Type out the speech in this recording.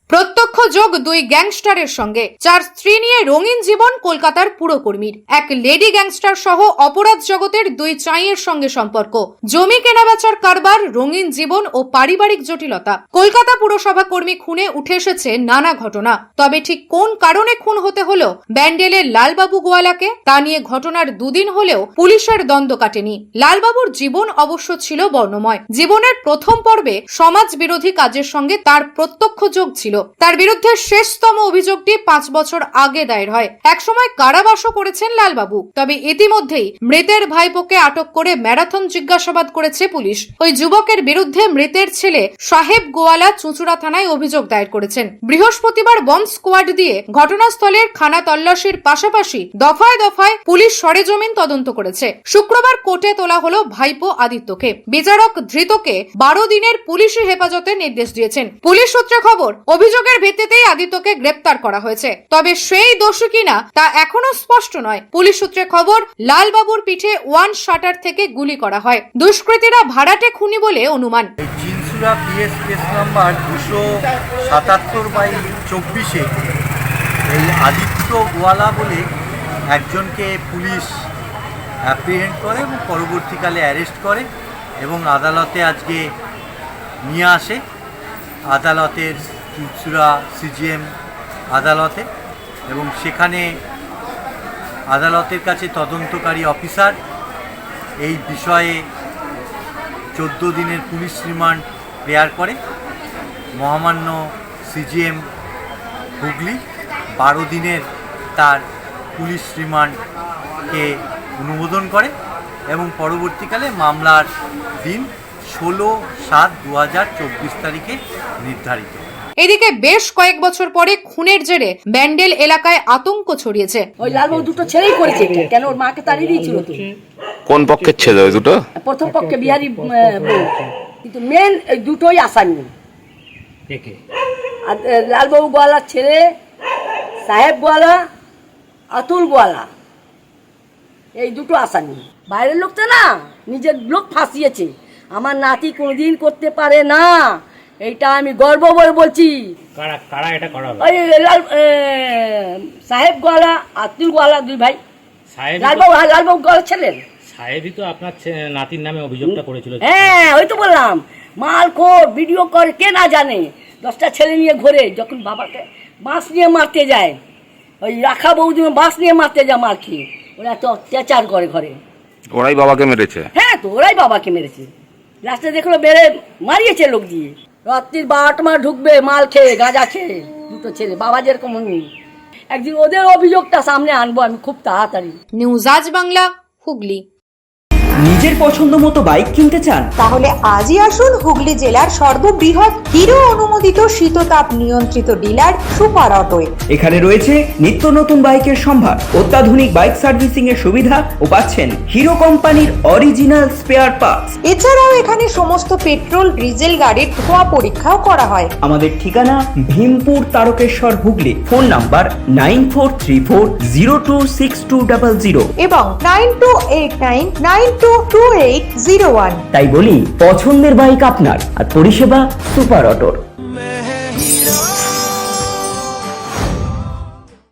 প্রত্যক্ষ যোগ দুই গ্যাংস্টারের সঙ্গে, 4 স্ত্রী নিয়ে রঙিন জীবন কলকাতার পুরকর্মীর। এক লেডি গ্যাংস্টার সহ অপরাধ জগতের দুই চাঁইয়ের সঙ্গে সম্পর্ক, জমি কেনাবেচার কারবার, রঙিন জীবন ও পারিবারিক জটিলতা। কলকাতা পুরসভা কর্মী খুনে উঠে এসেছে নানা ঘটনা। তবে ঠিক কোন কারণে খুন হতে হলো ব্যান্ডেলের লালবাবু গোয়ালাকে, তা নিয়ে ঘটনার দুদিন হলেও পুলিশের দ্বন্দ্ব কাটেনি। লালবাবুর জীবন অবশ্য ছিল বর্ণময়। জীবনের প্রথম পর্বে সমাজ বিরোধী কাজের সঙ্গে তার প্রত্যক্ষ যোগ ছিল। তার বিরুদ্ধে শেষতম অভিযোগটি 5 বছর আগে দায়ের হয়। একসময় কারাবাসও করেছেন লালবাবু। তবে ইতিমধ্যেই মৃতের ভাইপোকে আটক করে ম্যারাথন জিজ্ঞাসাবাদ করেছে পুলিশ। ওই যুবকের বিরুদ্ধে মৃতের ছেলে সাহেব গোয়ালা চুঁচুড়া থানায় অভিযোগ দায়ের করেছেন। বৃহস্পতিবার বম্ব স্কোয়াড দিয়ে ঘটনাস্থলের খানা তল্লাশির পাশাপাশি দফায় দফায় পুলিশ সরেজমিন তদন্ত করেছে। শুক্রবার কোর্টে তোলা হলো ভাইপো আদিত্যকে। বিচারক ধৃতকে 12 দিনের পুলিশি হেফাজতে নির্দেশ দিয়েছেন। পুলিশ সূত্রে খবর, অভিযোগের ভিত্তিতেই আদিত্যকে গ্রেপ্তার করা হয়েছে। তবে সেই দোষী কিনা তা এখনো স্পষ্ট নয়। পুলিশ সূত্রে খবর, লালবাবুর পিঠে 1 শাটার থেকে গুলি করা হয়। দুষ্কৃতীরা ভাড়াটে খুনি বলে অনুমান। চিনসুরা পিএস কেস নাম্বার 277/24 এই আদিত্য গোয়ালা বলে একজনকে পুলিশ অ্যাপ্রিহেন্ড করে এবং পরবর্তীকালে অ্যারেস্ট করে এবং আদালতে আজকে নিয়ে আসে। আদালতের চুঁচুড়া সিজিএম আদালতে, এবং সেখানে আদালতের কাছে তদন্তকারী অফিসার এই বিষয়ে 14 দিনের পুলিশ রিমান্ড প্রেয়ার করে। মহামান্য সিজিএম হুগলি 12 দিনের তার পুলিশ রিমান্ডকে অনুমোদন করে এবং পরবর্তীকালে মামলার দিন 16/7/2024 তারিখে নির্ধারিত। এদিকে বেশ কয়েক বছর পরে খুনের জেরে ব্যান্ডেল এলাকায় আতঙ্ক ছড়িয়েছে। ওই লালবাবু দুটো ছেলেই করেছে, কেন ওর মাকে তাড়িয়ে দিয়েছিল তো। কোন পক্ষের ছেলে ওই দুটো? প্রথম পক্ষে বিহারি বউ, কিন্তু মেন এই দুটোই আসামি। লালবাবু গোয়ালার ছেলে সাহেব গোয়ালা, আতুল গোয়ালা, এই দুটো আসামি। বাইরের লোক তো না, নিজের লোক ফাঁসিয়েছে। আমার নাতি কোনোদিন করতে পারে না, এইটা আমি গর্ব বলে বলছি। সাহেব গোয়ালা, আতুল গোয়ালা, দুই ভাই। লালবাবু গোয়ালা ছেলের সাহেবই তো আপনার নাতির নামে অভিযোগটা করেছিল। হ্যাঁ, ওই তো বললাম, মাল খোর, ভিডিও করে, কে না জানে। 10টা ছেলে নিয়ে ঘোরে, যখন বাবাকে বাঁশ নিয়ে মারতে যায়, ওই রাখা বৌদি বাঁশ নিয়ে মারতে যায় মার খেয়ে, ওরা তো অত্যাচার করে ঘরে। ওরাই বাবাকে মেরেছে? হ্যাঁ, তো ওরাই বাবাকে মেরেছে। রাস্তায় দেখলো বেড়ে মারিয়েছে লোক দিয়ে। রাত্রির 12টা মার ঢুকবে মাল খেয়ে, গাঁজা খেয়ে, দুটো ছেলে। বাবা যেরকম একদিন ওদের অভিযোগটা সামনে আনবো আমি খুব তাড়াতাড়ি। নিউজ আজ বাংলা, হুগলি। নিজের পছন্দ মতো বাইক কিনতে চান? তাহলে আজই আসুন হুগলি জেলার সর্ববৃহৎ হিরো অনুমোদিত শীততাপ নিয়ন্ত্রিত ডিলার সুপার অটোয়। এখানে রয়েছে নিত্য নতুন বাইকের সম্ভার, অত্যাধুনিক বাইক সার্ভিসিং এর সুবিধা ও পাচ্ছেন হিরো কোম্পানির অরিজিনাল স্পেয়ার পার্টস। এছাড়াও এখানে সমস্ত পেট্রোল ডিজেল গাড়ির ধোঁয়া পরীক্ষাও করা হয়। আমাদের ঠিকানা ভীমপুর তারকেশ্বর হুগলি। ফোন নাম্বার 9434026200 এবং 9289922801। তাই বলি, পছন্দের বাইক আপনার আর পরিষেবা সুপার অটোর।